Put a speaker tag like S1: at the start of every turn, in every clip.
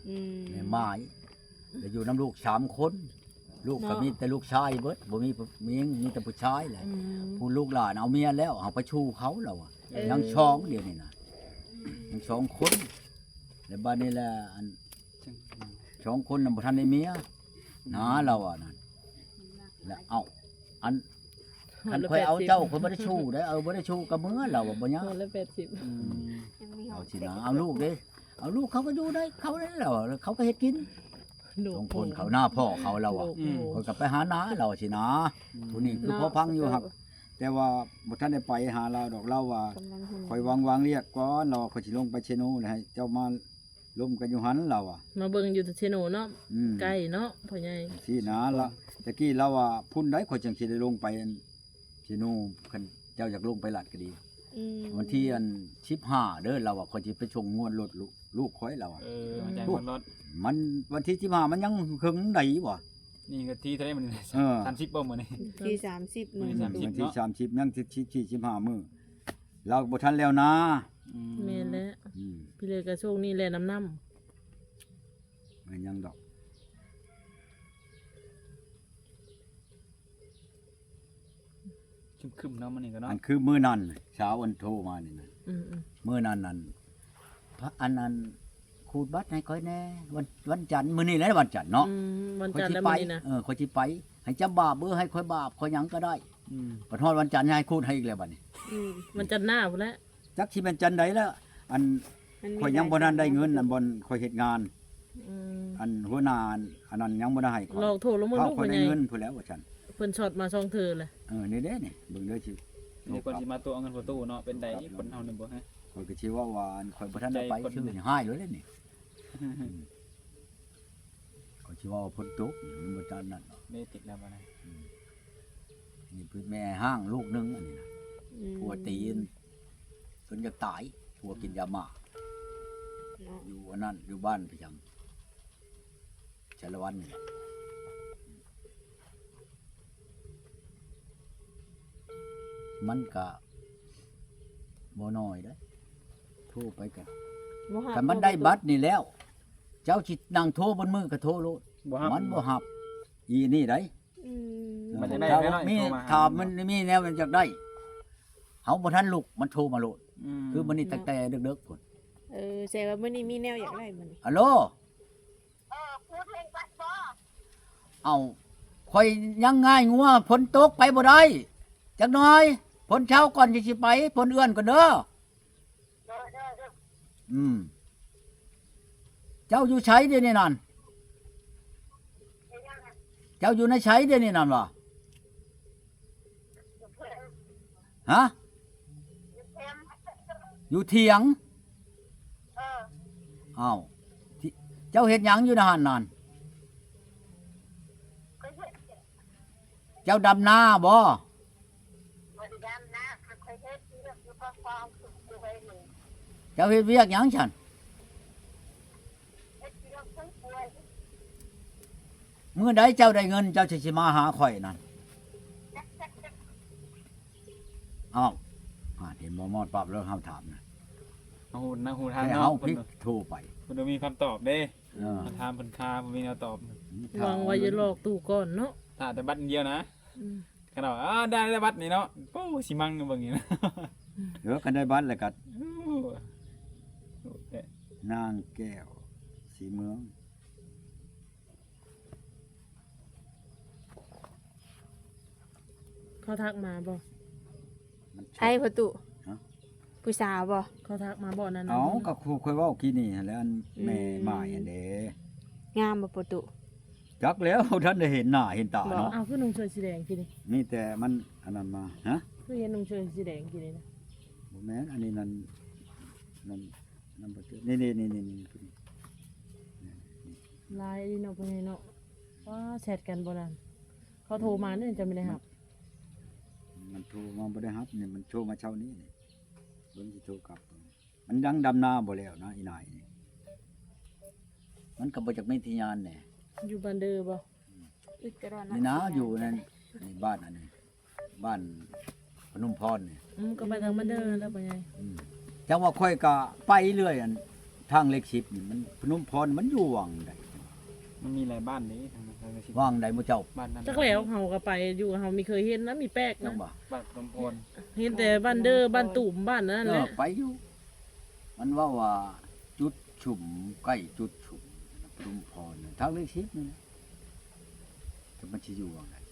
S1: แม่ไม้แล้วอยู่น้ำลูก3คนลูกก็มีแต่ลูกชายเบิดบ่มีแต่ผู้ชายแหละผู้ลูกหลานเอาเมียแล้วเอาไปชูเขาแล้วอ่ะยังช่องเดียวนี่นะยัง2คนแล้วบัดนี้แหละอัน2คนน่ะบ่ทันได้เมียนะเราอ่ะนั่นแล้วเอาอันคันค่อยเอาเจ้าคนบ่ได้ชูได้บ่ได้ชูกับมือเราบ่ยัง
S2: คนละ80
S1: เอาสินะเอาลูกเด้เอาลูกเขาก็อยู่ได้เขาได้แล้วเขาก็เฮ็ดกิน2คนเขาหน้าพ่อเขาเราอ่ะคนก็ไปหาน้าเราสินะผู้นี้คือพ่อพังอยู่ครับแต่ว่าบ่ทันได้ไปหาเราดอกเราว่าคอยวางเรียกก่อนเราค่อยสิลงไปเชโนแล้วให้เจ้ามาล้มกันอยู่หันเราอ่ะ
S2: มาเบิ่งอยู่ที่เชโนเนาะใกล้เนาะพ่อใหญ่
S1: ที่นะละตะกี้เราว่าพุ่นได้ค่อยจังสิได้ลงไปเชโนคันเจ้าอยากลงไปลาดก็ดีวันที่อัน15เด้อเราอ่ะค่อยสิไปชงงวดรถลูกค่อยเราอ่ะ
S3: แจ้งรถ
S1: มันวันที่15มันยังครึ่งใดบ่
S3: นี่ก็ที่เท่าไหร่มัน30บ่มื้อนี้
S2: ที่30มื้อ
S1: วันที่30ยังที่15มื้อเราบ่ทันแล้วนะ
S2: แม่นแล้วพี่เลยก็โชคนี้แหละน้ำ
S1: มันยังดอก
S3: คึมๆเนาะมันนี่ก็เนาะ
S1: อันคือมื้อนั้นเช้าวันโทรมานี่นะมื้อนั้นพระอันนั้นขูดบัตรให้ค่อยแน่วันจันทร์มื้อนี้แหละวันจันทร์เนาะ
S2: วันจันทร์แล้วมื้อนี้นะ
S1: ค่อยสิไปให้จำบาปเบอร์ให้ค่อยบาปค่อยหยังก็ได้พอฮอดวันจันทร์ให้ขูดให้อีกแล้วบัดนี้
S2: วันจันทร์หน้าพุ่นแหละ
S1: จักสิเป็นจันทร์ใดแล้วอันค่อยยังบ่ทันได้เงินอันบ่ค่อยเฮ็ดงานอันหัวหน้าอันนั้นยังบ่ได้ให้
S2: ค่อยลอกโทรลงมาลูก
S1: ค่อยได้เงินพุ่นแล้วว่าซั่น
S2: เพิ่นช็อตมา2เทื่อเลย
S1: นี่เด้นี่เบิ่งเด้อสิ
S3: นี่คนสิมาตัวเอาเงินประตูเนาะเป็นใดคนเฮานึงบ่ฮะ
S1: ข่อยก็สิว่าข่อยบ่ทันได้ไปชื่อนี่หายเลยนี่ข่อยสิว่าพ้นตกมันบ่จันนั่น
S3: ไม่ติดแล้วบ่นะ
S1: นี่เพิ่นแม่ห้างลูกนึงอันนี้นะผัวตีนจนจะตายผัวกินยาหม่าอยู่อันนั้นอยู่บ้านประจำชาละวันนี่มันก็บ่น้อยเด้อโทรไปกันแต่มันได้บัตรนี่แล้วเจ้าสินั่งโทรบนมือก็โทรโลดมันบ่ฮับอีนี่ได้
S3: มันจะได้
S1: มีถามมันมีแนวมันอยากได้เฮาบ่ทันลุกมันโทรมาโลดคือมันนี่ตั้งแต่ดึกๆพุ่น
S2: แสดงว่ามื้อนี้มีแนวอยากได้มื้อนี้
S1: ฮัลโหลพูดเพลงบัดบ่เอ้าข่อยยังง่ายงัวฝนตกไปบ่ได้จักหน่อยฝนเช้าก่อนสิไปฝนเอื้อนก่อนเด้อเจ้าอยู่ไสเดี๋ยวนี้นั่นเจ้าอยู่ในไสเดี๋ยวนี้นั่นบ่ฮะอยู่เถียงอ้าวเจ้าเฮ็ดหยังอยู่ในหั่นนั่นเจ้าดำนาบ่เจ้าเฮ็ดเวียกหยังฉันมื้อใดเจ้าได้เงินเจ้าสิมาหาข่อยนั่นอ้าวเห็นบ่มอดปรับแล้วเฮาถามนะ
S3: หูทาง
S1: เนาะเฮาพิกโทรไป
S3: เพิ่นมีคำตอบเด้ถามเพิ่นคาบ่มีแนวตอบ
S2: วางไว้จะหลอกตู่ก่อนเนาะ
S3: ถ้าแต่บัตรเดียวนะคันว่าได้บัตรนี่เนาะโอ้สิมังเบิ่งนี่นะ
S1: กันได้บัตรแล้วก็นางแก้วสีเมือง
S2: เขาทักมาบ่
S4: ไอ้ประตูผู้สาวบ่
S2: เขาทักมาบ่นั่น
S1: เอ้าก็ครูค่อยเว้ากี้นี่แล้วอันแม่หมายอันเด้
S4: งามบ่ประตู
S1: จักแล้วท่านได้เห็นหน้าเห็นตาเนาะ
S2: อ้าวคือนุ่งเสื้อสีแดงกี่นี่
S1: นี่แต่มันอันนั้นมาฮะ
S2: คือเห็นนุ่งเสื้อสีแดงกี่นี่นะ
S1: บ่แม่นอันนี้นั่นบ่เจอนี่
S2: ลายนี่เนาะเพิ่นเนาะว่าแชทกันบ่นั่นเขาโทรมานี่จะไม่ได้รับ
S1: มันโทรมาบ่ได้รับนี่มันโทรมาเช้านี้นี่เบิ่งสิโทรกลับมันยังดำนาบ่แล้วนะอีนายนี่มันก็บ่จักมีที่งานแหน่
S2: อยู่บ้านเด้อบ่
S1: นี่นะอยู่นั่นนี่บ้านอันนี้บ้านพนมพรนี่
S2: ก็ไปทางบ้านเด้อแล้วไปไง
S1: จังว่าค่อยก็ไปเรื่อยอันทางเลข10นี่มันพนมพรมันอยู่วังใด
S3: มันมีหลายบ้านนี้ทางนั้นทางนั้นสิ
S1: วังใดหมู่เจ้า
S3: บ้านนั้น
S2: จักแล้วเฮาก็ไปอยู่เฮามีเคยเห็นนะมีแปลก
S1: จั
S2: นะ
S1: งบ่
S3: บ้านลำพน
S2: เห็นแต่บ้านเด้อบ้านตุ่มบ้านนั่นแหละ
S1: ไปอยู่มันว่าจุดชุมใกล้จุดชุมพนมพรทางเลข10นี่นะแต่มันสิอยู่วังใด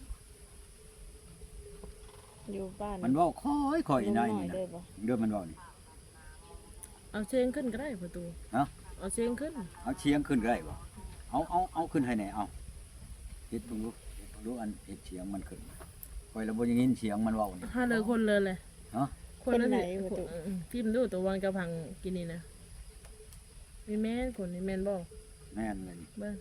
S4: อยู่บ้าน
S1: มันเว้าค่อยๆได้นี่
S4: เด้
S1: นะ
S4: อบ่
S1: เด้อมันเว้านี่
S2: เอาเชียงขึ้นก็ได้ประตู
S1: ฮะ
S2: เอาเชียงขึ้น
S1: เอาเชียงขึ้นก็ได้บ่เอาขึ้นให้แหน่เอาเฮ็ดเบิ่งดูอันเฮ็ดเสียงมันขึ้นค่อยละบ่ยังยินเสียงมันเว้านี่
S2: ถ้าเลยคนเลยเลย
S1: ฮะ
S2: คนละพิมพ์ดูตัววันกระพังกินนี่นะมีแม่นคนนี่แม่นบ่
S1: แม่นเลย
S2: เบิ่ง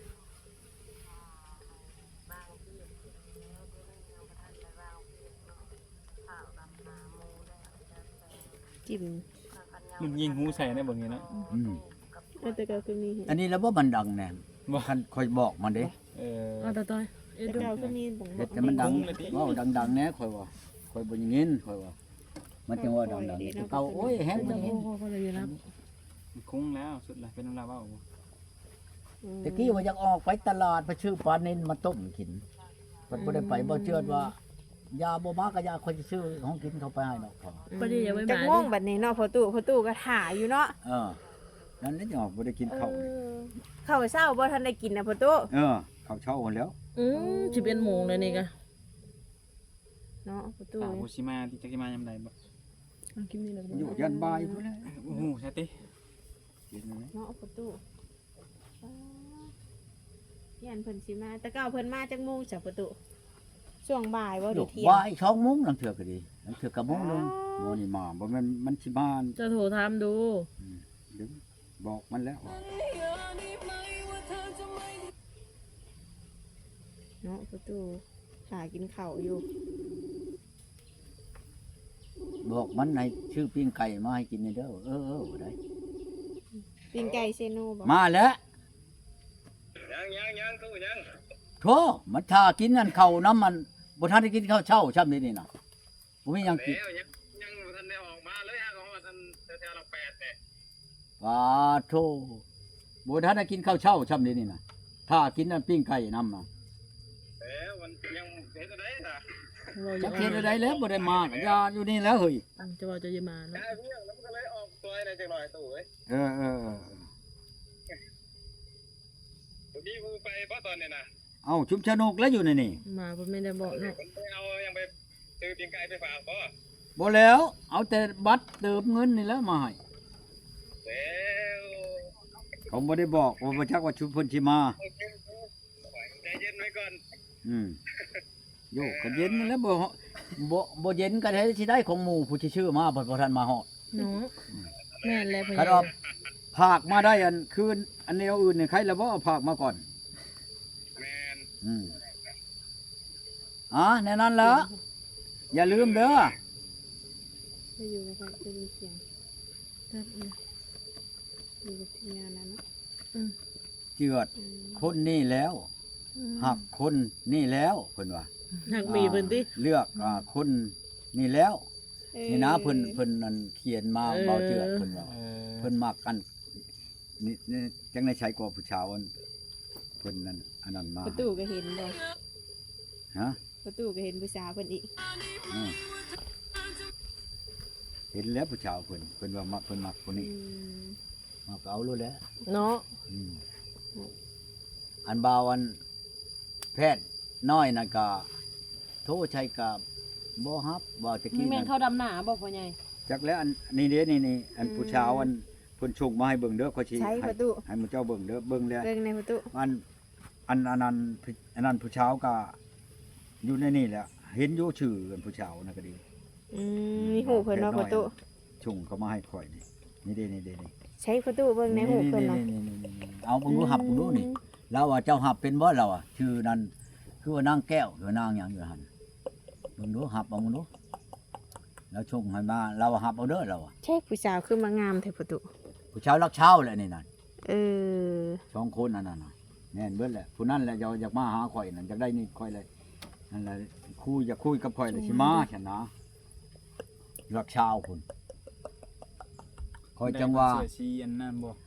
S4: จิ้ม
S3: มันยิงหูใส่ในบ่นี้เนาะ
S1: อืม
S4: แต่ก็คือมี
S1: อันนี้แล้วบ่มันดังแน่
S3: บ่
S1: คันค่อยบอกมันเด้
S2: เอาตาต้อยเอ็ด
S4: แต่
S2: ดู
S4: ก็คือมีบ่
S1: เฮ็ดแต่มันดังเว้าดังๆแหน่ค่อยว่าค่อยบ่ยังยินค่อยว่ามันจังว่าดังๆแต่เก่าโอ้ยแฮง
S2: จะ
S1: จัง
S2: โอ้โหเขาเลยนะ
S3: มันคุ้งแล้วสุดละเป็นน้ำลาเว้าบ่
S1: ตะกี้ว่าอยากออกไปตลาดไปซื้อปลาเน้นมาต้มกินมันบ่ได้ไปบ่เชื่อว่ายาบ่มาก็ยาค่อยสิซื้อของกินเข้าไปให้ดอกพอ
S2: ประเดี๋ยวอย่าไป
S4: จัก
S2: มา
S4: โมงบัดนี้เนาะพอตู้ก็ถ่าอยู่เนาะ
S1: นั่นนี่จังว่าบ่ได้กินข้าว
S4: ข้าวเช้าบ่ทันได้กินนะพอตู้
S1: ข้าวเช้าพุ่นแล้ว
S2: 11 โมงเลยนี่ก็
S4: เนาะพอตู้
S3: ตาโฮชิมาที่จักสิมายามใดบ่
S2: กินนี่แล้ว
S1: อยู่ยันบ่ายพุ่นแหล้ว
S3: โอ้โหใช่ติ
S1: กินไหม
S4: เนาะพอตู้ยันเพิ่นสิมาแต่เก้าเพิ่นมาจักโมงจ้ะพอตู้ช่วงบ่ายบ่หรือเที่ยง
S1: บ่าย2 โมงลังเทื่อก็ดีลังเทื่อก็โมงนึงบ่นี่มาบ่แม่นมันสิมา
S2: จะโทรถามดู
S1: เดี๋ยวบอกมันแล้วว่า
S4: เนาะประตูหากินข้าวอยู่
S1: บอกมันให้ชื่อปิ้งไก่มาให้กินนี่เด้อบ่ได้
S4: ปิ้งไก่เซโนบ่
S1: มาแล้ว
S3: ยังตู้ยัง
S1: โธ่มันถ้ากินนั่นข้าวน้ำมันบ่ทันได้กินข้าวเช้าช่ำนี่น่ะบ่มีหยังกิน
S3: แล้วยังบ่ทันได้ออกมาเลยฮะของอันแถวๆหลัก8เนี่ย
S1: ว่าโธ่บ่ทันได้กินข้าวเช้าช่ำนี่น่ะถ้ากินนั่นปิ้งไก่น้ำน่ะ
S3: มันยังเฮ็ดได้ซะ
S1: จักเฮ็ดได้แล้วบ่ได้มาก็อย่าอยู่นี่แล้วเฮ้ย
S2: จะว่าจะยมาเนาะ
S3: ได้เพียงแล้วมันก็เลยออกตัวได้จังหน่อยตู้เอ้ย
S1: เออ
S3: พี่กูไปบ่ตอนนี้นะ
S1: เอาชุมชนกแล้วอยู่ในนี่
S2: มาบ่ไม่ได้บอกเนาะ
S3: ผมไปเอายังไปซื้อปิ้งไก่ไปฝากบ่
S1: บ่แล้วเอาแต่บัตรเติมเงินนี่แล้วมาให้
S3: แล้ว
S1: เขาบ่ได้บอกว่าบ่จักว่าชุมเพิ่นสิมา
S3: ใจเย็นไว้ก่อน
S1: โยกก็เย็นนั่นแหล้วบ่เย็นก็ได้สิได้ของหมู่ผู้ที่ชื่อมาเพิ่นบ่ทันมาฮอด
S2: เนาะแม่นแล้วพ่อ
S1: คันว่าภาคมาได้อันคืนอันแนวอื่นนี่ใครละบ่เอาภาคมาก่อน
S3: แมน
S1: แน่นั้นละอย่าลืมเด้อ
S4: ไม่อยู่แล้วก็จะมีเสียงอยู่กับทีมงานนั้นเนาะ
S1: เจือดคนนี่แล้วหักคนนี่แล้วเพิ่นว่า
S2: หักมีเพิ่นติ
S1: เลือกคนนี่แล้วนี่นะเพิ่นนั่นเขียนมาเบาเจือดเพิ่นว่าเพิ่นมักกันนี่จังได้ใช้กว่าผู้ชาวเพิ่นนั่นอันนั้นมา
S4: ประตูก็เห็นบ่
S1: ฮะ
S4: ประตูก็เห็นผู้สาวเพิ่นอีก
S1: เห็นแล้วผู้ชาวเพิ่นว่ามักเพิ่นมักคนนี้มักเอารู้แล้ว
S2: เนาะ
S1: อันบาวันแพทย์น้อยนั่นก็โทรใช้กับบ่ฮับบ่ตะ
S2: มี
S1: กี้
S2: แม่
S1: นั่
S2: น
S1: น
S2: เข้าดำหน้าบ่พ่อใหญ่
S1: จักแล้วอันนี่เด้นี่อันผู้ชาวอันเพิ่นส่งมาให้เบิ่งเด้อขอยสิ
S4: ใช้ประตู
S1: ให้หมู่เจ้าเบิ่งเด้อเบิ่งแล้ว
S4: เบิ่งในประตู
S1: อันนั้นผู้ชาวก็อยู่ในนี่แหละเห็นอยู่ชื่อกันผู้ชาวนั่นก็ดี
S4: มีหูเพิ่นเนาะประตู
S1: ส่งเขามาให้ข่อยนี่เด้นี่
S4: ใช้ประตูเบิ่งในหูเพิ่นเนาะ
S1: เอาเบิ่งดูหับเบิ่งดูนี่เราว่าเจ้าหับเป็นบ่เราอ่ะชื่อนั้นคือว่านางแก้วหรือนางหยังอยู่หั่นเบิ่งดูหับเอาเบิ่งดูแล้วส่งให้มาเราหับเอาเด้อเราอ่ะ
S4: ใช่ผู้สาวคือมางามแท้ประตู
S1: ผู้ชาวรักเช้าแหละนี่นั่น
S2: Ờ.
S1: 2คนอันนั้นน่ะแม่นเบิดแหละผู้นั้นแหละอยากมาหาข่อยนั่นอยากได้นี่ข่อยเลยนั่นแหละอยากคุยกับข่อยเลยสิมาฉันนะรักเช้าพุ่นข่อยจังว่า
S3: เสื้อสีอันนั้นบ่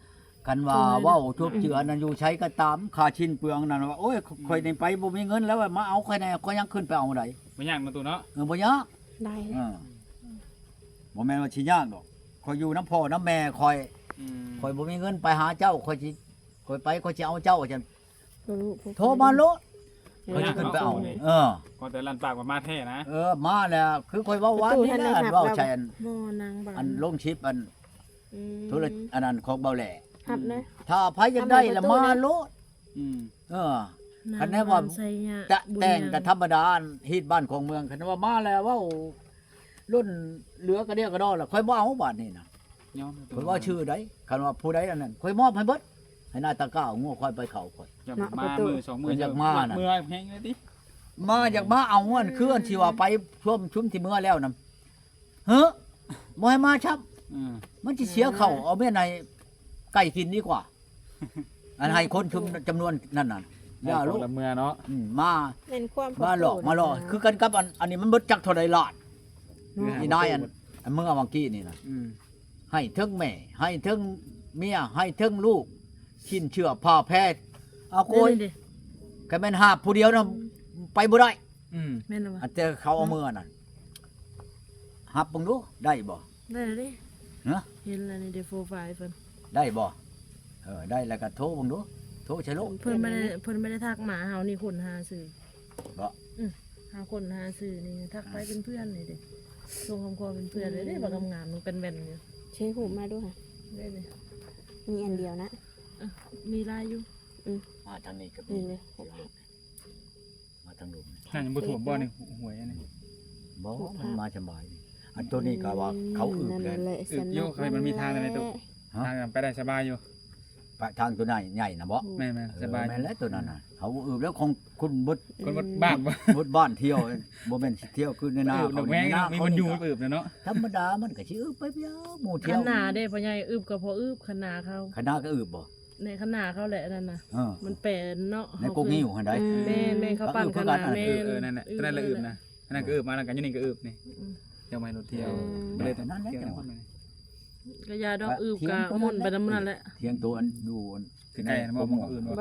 S1: กันว่าเว้าทุบเจือนั่นอยู่ใช้ก็ตามค่าชิ้นเปลืองนั่นว่าโอ้ยข่อยนี่ไปบ่มีเงินแล้วมาเอาข่อยแน่ข่อยยังขึ้นไปเอาได้
S3: บ่ยากมาตู้เนาะ
S1: บ่ยาก
S4: ได้
S1: เออบ่แม่นว่าสิยากดอกข่อยอยู่น้ำพ่อน้ำแม่ข่อย
S3: อืม
S1: ข่อยบ่มีเงินไปหาเจ้าข่อยสิข่อยไปข่อยสิเอาเจ้าจัง
S4: บ่รู้
S1: โทรมาโลดข่อยสิขึ้นไปเอาเออ
S3: ก็แต่ลั่นปากว่ามาแท้นะ
S1: มาแล้วคือข่อยเว้าว่านี่แหละเว้าใช่อัน
S2: บ่นางบ่
S1: อันลงชิปอัน
S4: อืม
S1: ธุรอันนั้นของเบาแหล่
S4: หับนะ
S1: ถ้าไผอยากได้ละมาโลด
S3: อืม
S1: คันแน่ว่า
S2: ใส่ยา
S1: จะแต่งกับธรรมดาฮีดบ้านของเมืองคันว่ามาแล้วเว้ารุ่นเหลือกระเดียวกระดอล่ะค่อยบ่เอาบาดนี่น่ะ
S3: ยอม
S1: ค่อยว่าชื่อใดคันว่าผู้ใดอันนั้นค่อยมอบให้เบิดให้หน้าตาก้าวงัวค่อยไปเข้าค่อย
S3: อยากมามือสองมือ
S1: อยากมาน่ะ
S3: มือแห้งเลยดิ
S1: มาอยากมาเอาเงินคืออันที่ว่าไปช่วมชุมที่เมื่อแล้วนำเฮ้อบ่ให้มาชับ
S3: อืม
S1: มันสิเสียเข้าเอาแม่ในไก่กินดีกว่า อันให้คนชุมจำนวนนั่นน่ะอย่าลูก
S3: ละเมือเนาะ
S1: มา
S4: เป็นความ
S1: มาหลอกมาหลอกคือกันกับอันนี้มันเบิดจักเท่าใดล้านนี่นายอันเมื่อเมื่อกี้นี่นะ
S3: อืม
S1: ให้เทิงแม่ให้เทิงเมียให้เทิงลูกชิ้นเชื่อผ้าแพทย์เอาโกย
S2: ดิ
S1: ก็แม่นหาบผู้เดียวนะไปบ่ได้
S3: อืม
S2: แม่นบ่
S1: อันแต่เขาเอามือนั่นหับเบิ่งดูได้บ่
S2: ได้แล้วดิ
S1: ฮะ
S2: เห็นแล้วนี่เดโฟไฟเพิ่น
S1: ได้บ่ได้แล้วก็โทรเบิ่งดูโทรใช่ลูก
S2: เพิ่นไม่ได้ทักหมาเฮานี่คนหาซื้อ
S1: บ่
S2: หาคนหาซื้อนี่ทักไปเป็นเพื่อนนี่ดิส่งคำขอเป็นเพื่อนเลยเด้บ่ทำงานมันเป็นแว่นอยู่
S4: ใช้หูมาด้วยค่ะ
S2: ได้เลย
S4: มีอันเดียวนะ
S2: มีลายอยู่
S1: มาทางนี้ก็มี
S4: นี่เลย
S1: มาทางลุม
S3: นั่นยังบ่ถ่วมบ่นี่หวยอันนี้
S1: บ่มันมาสบายอันตัวนี้ก็ว่าเขาอึเลย
S4: นั่นแหละ
S3: อึโยกใครมันมีทางอะไรตู้
S1: ฮะ
S3: ทางไปได้สบายอยู่
S1: ไปทางตัวไหนใหญ่นะบ่
S3: แม่นๆสบาย
S1: แม่นแล้วตัวนั้นน่ะเขาอึแล้วของคุณบุด
S3: คนบ้านบ่
S1: บุดบ้านเที่ยวบ่แม่นสิเที่ยวคือในนา
S3: อึด
S1: เขา
S3: แม่ง
S1: ในนา
S3: มี
S1: เขา
S3: มันอยู่
S1: นี่ก็
S3: อึบเนาะ
S1: ธรรมดามันก็สิอึไปยาวหมู่
S2: ข
S1: เที่ยว
S2: นาเด้พ่อใหญ่อึบก็พออึบขนาเขา
S1: คณะก็อึบ่
S2: ในขนาเขาแหละนั่นน่ะ
S1: เออ
S2: มันเป็นเนาะ
S1: ในกกนิ้วหั่นได้
S2: แม่เขาปั่นขนาดแม่
S3: นั่นแหละนั่นแหละอึบนะนั่นก็อึบมาแล้วกันอยู่นี่ก็อึบนี่เดี๋ยวมารถเที่ยวเลยแต่นั่นแหละ
S2: กระยาดอกอึบกะมุ่นไปน้ำนั่นแหละ
S1: เที่ยงตัวอันดูอัน
S3: คือไก่บ่มองอื่นบ่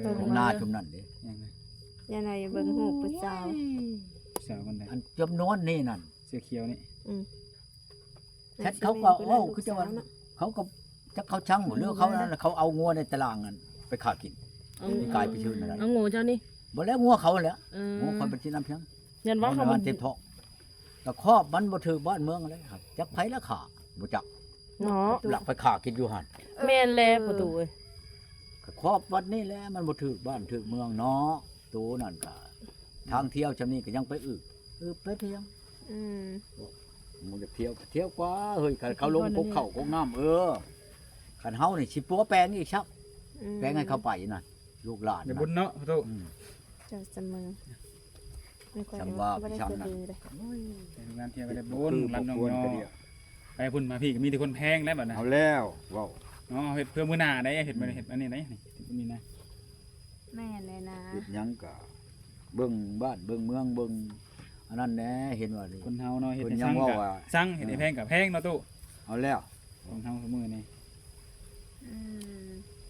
S1: ของนาชุมนั่นเด้
S3: ยังไง
S4: ยังไงเบิ่งหูผู้สาว
S3: สาวคนใด
S1: อันจำนวนนี่นั่น
S3: เสื้อเขียวนี่
S1: แชทเขาก็เว้าคือจะว่าเขาก็จักเขาช่างหมดเรื่องเขานั่นเขาเอางัวในตารางนั้นไปขากินนี่กลายไปชื่อนั่นแหละ
S2: เอางูเจ้านี่
S1: บ่แล้วงัวเขาแหล้ว
S2: เออ
S1: งัวคนเป็นที่น้ำเพียง
S2: ยันว่าเขา
S1: บ้านเต็มท้องแต่ครอบมันบ่ถือบ้านเมืองเลยครับจักไผละขาบ่จัก
S2: เนาะ
S1: หลักไปขากินอยู่หั่น
S2: แม่นแลประตูเอ้ย
S1: ก็ครอบวัดนี่แหละมันบ่ถือบ้านถือเมืองเนาะตัวนั่นก็ทางเที่ยวจำนี้ก็ยังไปอึไปเพียง
S4: อืม
S1: มึงจะเที่ยวก็เที่ยวกว่าเฮ้ยคันเขาลงภูเขาของน้ำคันเฮานี่สิปัวแปลงอีกครับแปลงให้เขาไปน่ะลูกหลาน
S3: เดี๋ยว
S1: น่ะ
S3: บุญเนาะพ่อตู้
S1: อืม
S4: เจ้าเสมอไม่ค่อย
S1: จำว่า
S4: บ่ได้
S1: พี่ช้ำน่ะ
S4: สะดือเลย
S3: ไปงานเที่ยวไปได้บุญรันน้องยอไปพุ่นมาพี่ก็มีแต่คนแพงแล้วบัดน่ะ
S1: เอาแล้วเว้า
S3: อ๋อเฮ็ดเพื่อมื้อหน้าได้เฮ็ดบ่ได้เฮ็ดอันนี้ได้นี่นี่นะ
S4: แม่เลยนะ
S1: เฮ็ดหยังก็เบิ่งบ้านเบิ่งเมืองเบิ่งอันนั้นแหละเห็นว่าดิ
S3: คนเฮาเนาะเฮ็ด
S1: คน
S3: ให้
S1: ยั
S3: สั่
S1: ง
S3: ง
S1: ว่า
S3: กับ
S1: ว่า
S3: สั่งเฮ็ดให้แพงกับแพงเนาะตู้
S1: เอาแล้ว
S3: คนเฮาซุมื้อนี่
S4: อืม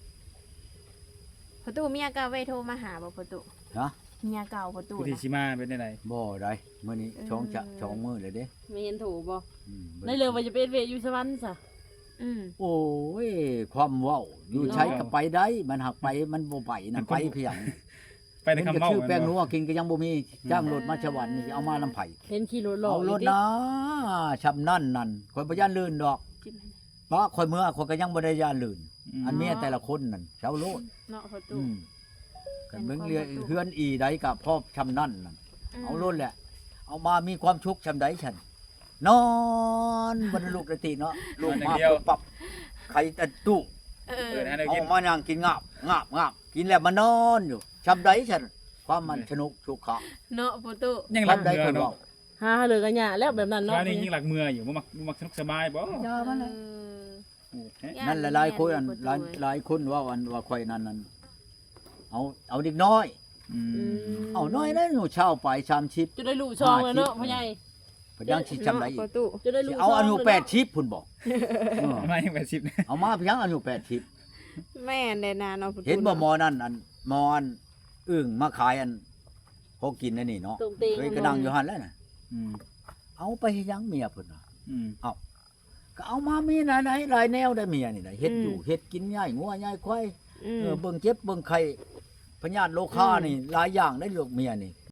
S4: ประตูเมียเก่าไว้โทรมาหาบ่ประตู
S1: ฮะ
S4: เมียเก่าประตู
S3: ผู้ที่
S4: นะ
S3: สิมาเป็นได้ได
S1: บ่ได้มื้อนี้ช่องมื้อเลยเด้
S2: ไม่เห็นถูกบ่
S1: อืม
S2: ในเรือว่าจะเป็นเวทอยู่สวรรค์ซะ
S4: อืม
S1: โอ้ยความเว้าอยู่ใช้ก็ไปได้มันหักไปมันบ่ไปนั่นไปเพียง
S3: ไปในคำเมา
S1: ชื่อแป้งนัวกินก็ยังบ่มีจ้างรถมาชวันนี่เอามาลำไผ
S2: เห็นขี่รถหลอก
S1: เอารถนะชำนั่นนั่นข่อยบ่ย่านลื่นดอก
S4: จิ้มให้
S1: เพราะข่อยเมื่อข่อยก็ยังบ่ได้ย่านลื่น อันเมียแต่ละคนนั่นชาวโลด
S4: เนาะประตู
S1: กันเบิ่งเรือเฮือนอีใดก็พอชำนั่นนั่นเอารถแหละ เอามามีความทุกข์ชำใดฉันนอนบนลูกระติเนาะลูกมาปุ๊บปับไข่ตะตู้
S4: เออ
S3: เปิดให้ได้
S1: เอา
S3: กิน
S1: มานั่งกินงาบกินแล้วมานอนอยู่ชำใดฉันความมันสนุกสุขะ
S4: เนาะประตู
S3: ยังหลัก
S1: ชำใด
S3: เมือ
S1: คน
S3: เนาะ
S1: เว้า
S2: หาเหลือกันหยาแล้วแบบนั้นเนาะ
S3: ว่านี่ยิ่งหลักเมืออยู่บ่มักสนุกสบายบ่
S1: ยามันเลย
S3: โอ้แท้
S1: นั่นหลายๆคนหลายคนว่าวันว่าข่อยนั่นเอาเด็กน้อย
S3: อืม
S1: เอาน้อยนะหนูเช่าไป30
S2: จะได้ลูกช่องแล้วเนาะพ่อใหญ่
S1: พยังสิจำได้อี
S4: ป
S1: ก
S4: ระตู
S2: จะได้ลูก
S1: เอาอายุ
S2: ช่งลยเนะ
S1: 80พุ่นบอก
S3: มายัง80
S1: เอามาเพียงอายุ80
S4: แม่นได้นาเนาะประตู
S1: เห็นบ่หมอนั่นอันหมออันอึ่งมาขายอันพอกินนั่นนี่เนาะ
S2: ตรงเตียง
S1: เคยกระดังอยู่หั่นแล้วน่ะ
S3: อืม
S1: เอาไปให้ยังเมียเพิ่นน่ะ
S3: อืม
S1: ก็เอามามีไหนๆหลายแนวได้เมียนี่น่ะเฮ็ดอยู่เฮ็ดกินง่ายงัวง่ายควาย
S4: อืม
S1: เบิ่งเจ็บเบิ่งไข้พญาติโรคานี่หลายอย่างได้ลูกเมียนี่